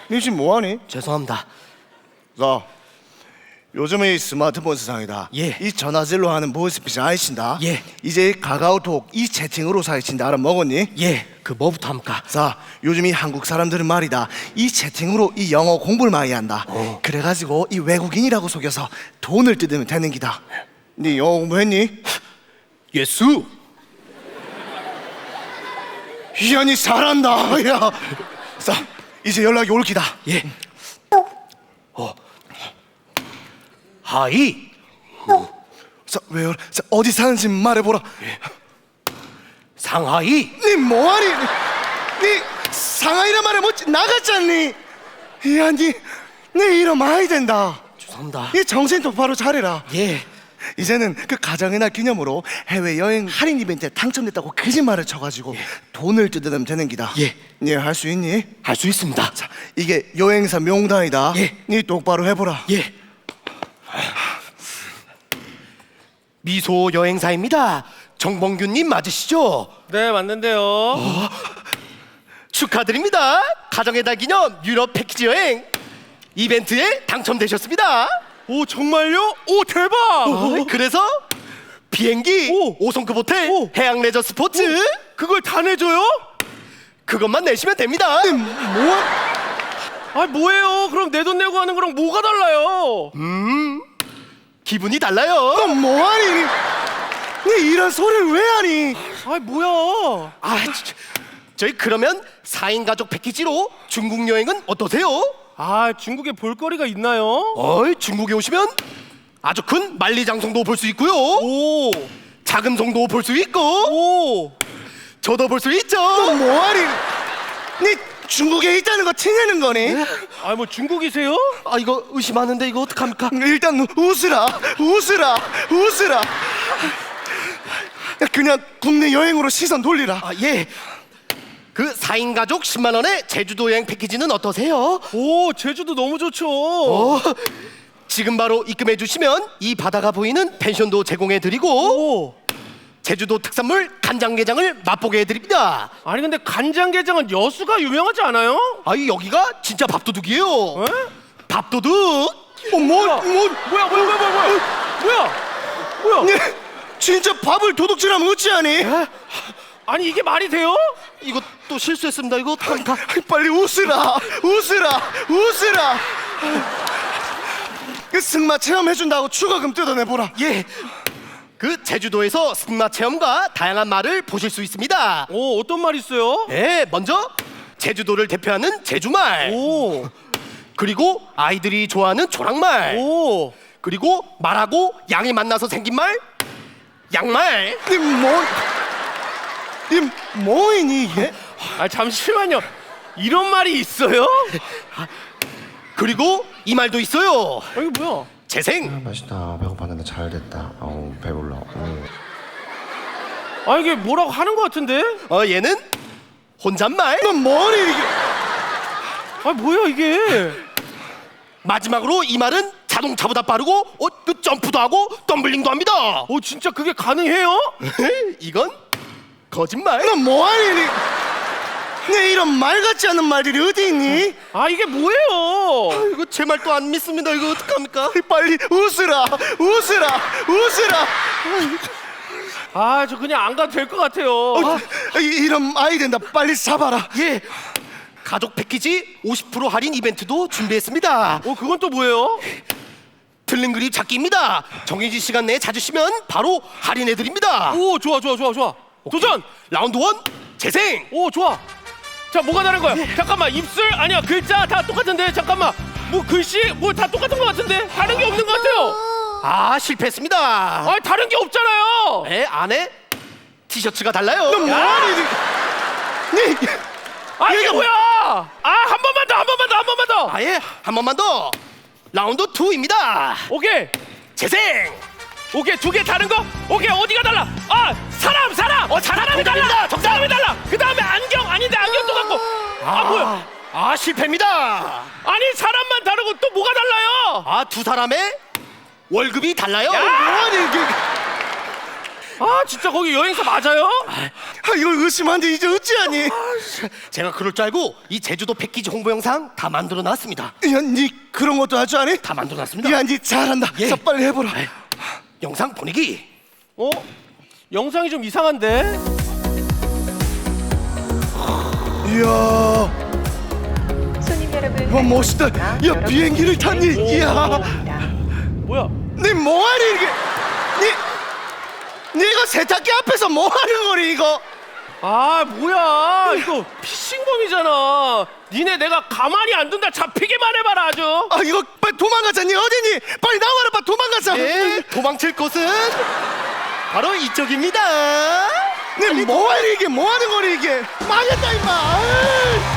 니 지금 뭐하니? 죄송합니다. 자, 요즘에 이 스마트폰 세상이다. 예. 이 전화질로 하는 보이스피싱 아이친다. 예. 이제 카카오톡 이 채팅으로 사이친다 알아먹었니? 예, 그 뭐부터 합니까? 자, 요즘 이 한국 사람들은 말이다 이 채팅으로 이 영어 공부를 많이 한다. 그래가지고 이 외국인이라고 속여서 돈을 뜯으면 되는 기다. 니 영어 공부했니? 예수. 이야, 니 잘한다. 야, 자, 이제 연락이 올 기다. 예. 하이. 자, 왜요? 자, 어디 사는지 말해보라. 상하이. 니 뭐하니? 니 상하이란 말에 뭐 나갔잖니? 이야, 니 이러면 많이 된다. 죄송합니다. 이 정신 똑바로 차려라. 예. 이제는 그 가정의 날 기념으로 해외여행 할인 이벤트에 당첨됐다고 거짓말을 쳐가지고 돈을 뜯어내면 되는 기다. 예. 니 할 수 있니? 할 수 있습니다. 자, 이게 여행사 명단이다. 예. 니 똑바로 해보라. 예. 미소 여행사입니다. 정봉규님 맞으시죠? 네, 맞는데요. 축하드립니다. 가정의 달 기념 유럽 패키지 여행 이벤트에 당첨되셨습니다. 오, 정말요? 오, 대박! 그래서 비행기, 오. 5성급 호텔, 오. 해양 레저 스포츠 그걸 다 내줘요? 그것만 내시면 됩니다. 뭐? 아, 뭐예요? 그럼 내 돈 내고 하는 거랑 뭐가 달라요? 기분이 달라요. 너 뭐하니? 니 이런 소리를 왜 하니? 아, 뭐야? 아, 저희 그러면 4인 가족 패키지로 중국 여행은 어떠세요? 아, 중국에 볼거리가 있나요? 중국에 오시면 아주 큰 만리장성도 볼 수 있고요. 오, 작은 성도 볼 수 있고 오. 저도 볼 수 있죠. 너 뭐하니? 니 중국에 있다는 거 티내는 거니? 아, 뭐 중국이세요? 아, 이거 의심하는데 이거 어떡합니까? 일단 웃으라. 그냥 국내 여행으로 시선 돌리라. 아, 예. 그 4인 가족 10만 원의 제주도 여행 패키지는 어떠세요? 오, 제주도 너무 좋죠. 지금 바로 입금해 주시면 이 바다가 보이는 펜션도 제공해 드리고 오. 제주도 특산물 간장게장을 맛보게 해 드립니다. 아니, 근데 간장게장은 여수가 유명하지 않아요? 아이 여기가 진짜 밥도둑이에요. 에? 밥도둑. 뭐야? 니 진짜 밥을 도둑질하면 어찌하니? 아니, 이게 말이 돼요? 이거 또 실수했습니다. 이거 어떡합니까? 빨리 웃으라. 그 승마 체험해준다고 추가금 뜯어내보라. 예. 그 제주도에서 승마 체험과 다양한 말을 보실 수 있습니다. 오, 어떤 말 있어요? 네, 먼저 제주도를 대표하는 제주말, 오, 그리고 아이들이 좋아하는 조랑말, 오. 그리고 말하고 양이 만나서 생긴 말, 양말. 니 뭐이니 이게? 아, 잠시만요. 이런 말이 있어요? 그리고 이 말도 있어요. 아, 이게 뭐야? 재생. 맛있다. 배고팠는데 잘 됐다. 어우 배불러. 아, 이게 뭐라고 하는 것 같은데? 얘는 혼잣말. 너 뭐니 이게? 아, 뭐야 이게? 마지막으로 이 말은 자동차보다 빠르고 그 점프도 하고 덤블링도 합니다. 오, 진짜 그게 가능해요? 이건 거짓말. 너 뭐하니? 니 이런 말 같지 않은 말들이 어디 있니? 아, 이게 뭐예요? 이거 제 말도 안 믿습니다. 이거 어떡합니까? 빨리 웃으라. 아, 저 그냥 안 가도 될 것 같아요. 이런 아이 된다. 빨리 잡아라. 예. 가족 패키지 50% 할인 이벤트도 준비했습니다. 그건 또 뭐예요? 틀린 그림 찾기입니다. 정해진 시간 내에 찾으시면 바로 할인해드립니다. 오, 좋아. 도전! 라운드 1 재생. 오, 좋아. 자, 뭐가 다른 거야? 잠깐만, 입술 아니야, 글자 다 똑같은데. 잠깐만, 뭐 글씨 뭐 다 똑같은 것 같은데 다른 게 없는 것 같아요. 실패했습니다. 아, 다른 게 없잖아요. 네, 안에 티셔츠가 달라요. 너 뭐하니? 니 아, 이게 뭐야? 한 번만 더. 아예 한 번만 더. 라운드 2입니다. 오케이. 재생. 오케이, 두 개 다른 거? 오케이, 어디가 달라? 사람! 사람이 달라! 사람이 달라! 그 다음에 안경! 아닌데 안경도 같고! 뭐야? 실패입니다. 아니, 사람만 다르고 또 뭐가 달라요? 두 사람의 월급이 달라요. 뭐하니 이게? 아 진짜 거기 여행사 맞아요? 아, 이걸 의심하는데 이제 어찌하니? 제가 그럴 줄 알고 이 제주도 패키지 홍보 영상 다 만들어 놨습니다. 야, 니 그런 것도 할 줄 아니? 다 만들어 놨습니다. 야, 니 잘한다. 예. 자, 빨리 해보라. 영상 보내기. 어? 영상이 좀 이상한데? 이야, 손님 여러분, 와 멋있다. 야, 비행기를 탔니? 이야, 뭐야? 니 뭐하니 이게? 니 이거 세탁기 앞에서 뭐하는 거니 이거? 아 뭐야 이거 피싱범이잖아. 니네 내가 가만히 안 둔다 잡히게만 해봐라 아주. 아, 이거 빨리 도망가자. 니 어디니? 빨리 나와라, 빨리 도망가자. 예, 도망칠 곳은 바로 이쪽입니다. 니 뭐하니 이게? 뭐하는 거니 이게? 망했다 임마. 아이.